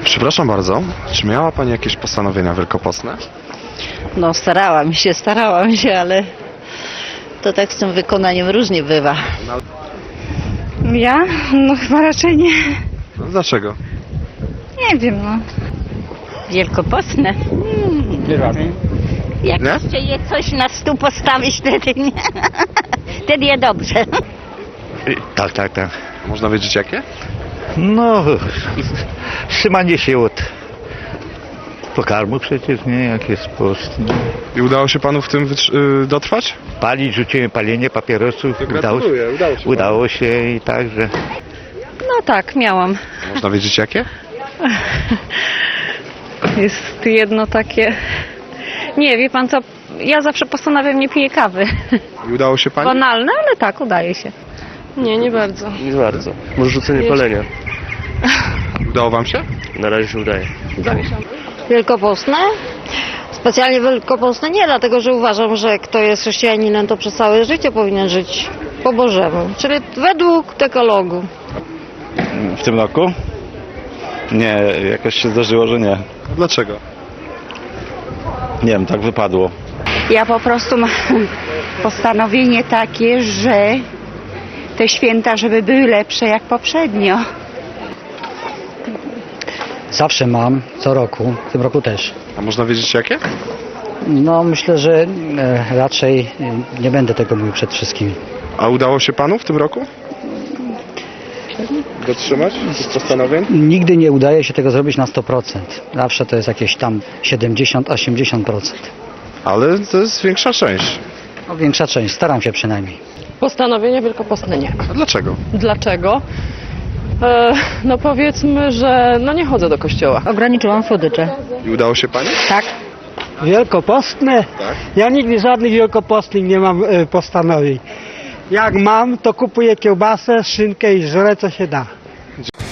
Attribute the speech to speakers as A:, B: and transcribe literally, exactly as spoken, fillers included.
A: Przepraszam bardzo, czy miała Pani jakieś postanowienia wielkopostne?
B: No starałam się, starałam się, ale to tak z tym wykonaniem różnie bywa.
C: Ja? No chyba raczej nie.
A: No, dlaczego?
C: Nie wiem, no.
B: Wielkopostne?
A: Nie radzę.
B: Jak
A: Nie?
B: jeszcze je coś na stół postawić, wtedy nie. Wtedy je dobrze.
D: Tak, tak, tak.
A: Można wiedzieć jakie?
D: No, trzymanie się od pokarmu przecież, nie? Jak jest post. Nie?
A: I udało się Panu w tym wytr- y, dotrwać?
D: Palić, rzuciłem palenie papierosów.
A: To
D: Udało,
A: gratuluję, udało się
D: udało się i tak, że...
C: No tak, miałam.
A: Można wiedzieć jakie?
C: Jest jedno takie... Nie, wie pan co, ja zawsze postanawiam nie piję kawy.
A: I udało się Pani?
C: Banalne, ale tak, udaje się. Nie, nie bardzo.
E: Nie bardzo. Może rzucenie palenia.
A: Udało Wam się?
E: Na razie się udaje.
F: Wielkopostne? Specjalnie wielkopostne nie, dlatego że uważam, że kto jest chrześcijaninem, to przez całe życie powinien żyć po Bożemu, czyli według dekalogu.
G: W tym roku? Nie, jakoś się zdarzyło, że nie.
A: Dlaczego?
G: Nie wiem, tak wypadło.
H: Ja po prostu mam postanowienie takie, że te święta, żeby były lepsze jak poprzednio.
I: Zawsze mam, co roku, w tym roku też.
A: A można wiedzieć jakie?
I: No myślę, że e, raczej e, nie będę tego mówił przed wszystkimi.
A: A udało się Panu w tym roku? Dotrzymać tych postanowień?
I: Nigdy nie udaje się tego zrobić na sto procent. Zawsze to jest jakieś tam siedemdziesiąt do osiemdziesięciu procent.
A: Ale to jest większa część.
I: No, większa część, staram się przynajmniej.
J: Postanowienia wielkopostne nie.
A: A dlaczego?
J: Dlaczego? E, no powiedzmy, że no nie chodzę do kościoła.
B: Ograniczyłam słodycze.
A: I udało się Pani?
B: Tak.
K: Wielkopostne?
A: Tak.
K: Ja nigdy żadnych wielkopostnych nie mam e, postanowień. Jak mam, to kupuję kiełbasę, szynkę i żrę co się da.